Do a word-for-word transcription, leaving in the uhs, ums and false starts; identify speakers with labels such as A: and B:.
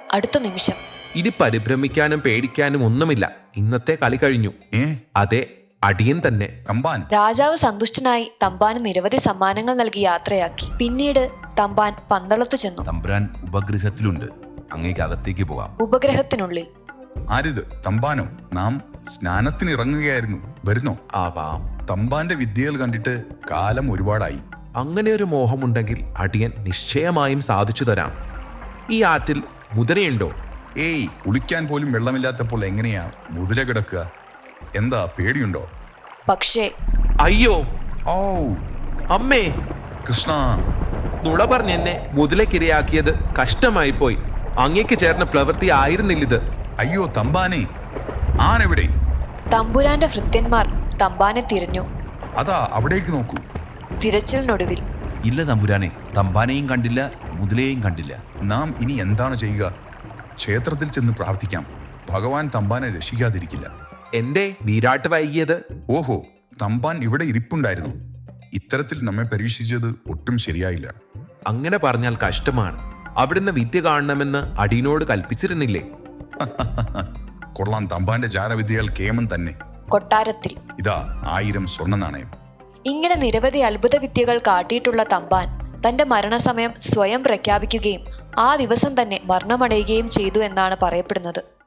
A: അടുത്ത നിമിഷം.
B: ഇനി പരിഭ്രമിക്കാനും പേടിക്കാനും ഒന്നുമില്ല. ഇന്നത്തെ കളി കഴിഞ്ഞു.
C: ഏ
B: അതെ, അടിയൻ തന്നെ.
C: തമ്പാൻ.
A: രാജാവ് സന്തുഷ്ടനായി തമ്പാന് നിരവധി സമ്മാനങ്ങൾ നൽകി യാത്രയാക്കി. പിന്നീട് തമ്പാൻ പന്തളത്തു ചെന്നു.
D: തമ്പുരാൻ ഉപഗ്രഹത്തിലുണ്ട്, അങ്ങേക്ക് അകത്തേക്ക് പോകാം.
A: ഉപഗ്രഹത്തിനുള്ളിൽ.
C: ആരിത്? തമ്പാനോ? നാം സ്നാനത്തിന് ഇറങ്ങുകയായിരുന്നു. വരുന്നോ?
B: ആവാം.
C: തമ്പാന്റെ വിദ്യകൾ കണ്ടിട്ട് കാലം ഒരുപാടായി.
B: അങ്ങനെ ഒരു മോഹമുണ്ടെങ്കിൽ അടിയൻ നിശ്ചയമായും സാധിച്ചു തരാം. ഈ ആറ്റിൽ മുതലയുണ്ടോ?
C: ഏയ്, കുളിക്കാൻ പോലും വെള്ളമില്ലാത്തപ്പോൾ എങ്ങനെയാ മുതല കിടക്കുക? എന്താ, പേടിയുണ്ടോ?
A: പക്ഷേ
B: അയ്യോ
C: ഓ
B: അമ്മേ,
C: കൃഷ്ണ.
B: നുണ പറഞ്ഞെന്നെ മുതലക്കിരയാക്കിയത് കഷ്ടമായി പോയി. അങ്ങേക്ക് ചേർന്ന പ്രവൃത്തി ആയിരുന്നില്ലിത്.
C: അയ്യോ തമ്പാനെ, ആനെവിടെ?
A: തമ്പുരാന്റെ ഭൃത്യന്മാർ തമ്പാനെ തിരഞ്ഞു.
C: അതാ അവിടേക്ക് നോക്കൂ.
A: തിരച്ചിലിനൊടുവിൽ
D: ഇല്ല തമ്പുരാനെ, തമ്പാനെയും കണ്ടില്ല, മുതലയെയും കണ്ടില്ല.
C: നാം ഇനി എന്താണ് ചെയ്യുക? ക്ഷേത്രത്തിൽ ചെന്ന് പ്രാർത്ഥിക്കാം. ഭഗവാൻ തമ്പാനെ രക്ഷിക്കാതിരിക്കില്ല.
B: എന്തേ വീരാട്ട് വൈകിയത്?
C: ഓഹോ, തമ്പാൻ ഇവിടെ ഇരിപ്പുണ്ടായിരുന്നു. ഇത്തരത്തിൽ നമ്മെ പരീക്ഷിച്ചത് ഒട്ടും ശരിയായില്ല.
B: അങ്ങനെ പറഞ്ഞാൽ കഷ്ടമാണ്. അവിടുന്ന് വിദ്യ കാണണമെന്ന് അടിയനോട് കൽപ്പിച്ചിരുന്നില്ലേ?
C: കൊള്ളാം, തമ്പാന്റെ ജാലവിദ്യകൾ കേമൻ തന്നെ.
A: കൊട്ടാരത്തിൽ
C: ഇതാ ആയിരം സ്വർണ്ണ നാണയം.
A: ഇങ്ങനെ നിരവധി അത്ഭുത വിദ്യകൾ കാട്ടിയിട്ടുള്ള തമ്പാൻ തന്റെ മരണസമയം സ്വയം പ്രഖ്യാപിക്കുകയും ആ ദിവസം തന്നെ മരണമടയുകയും ചെയ്തു എന്നാണ് പറയപ്പെടുന്നത്.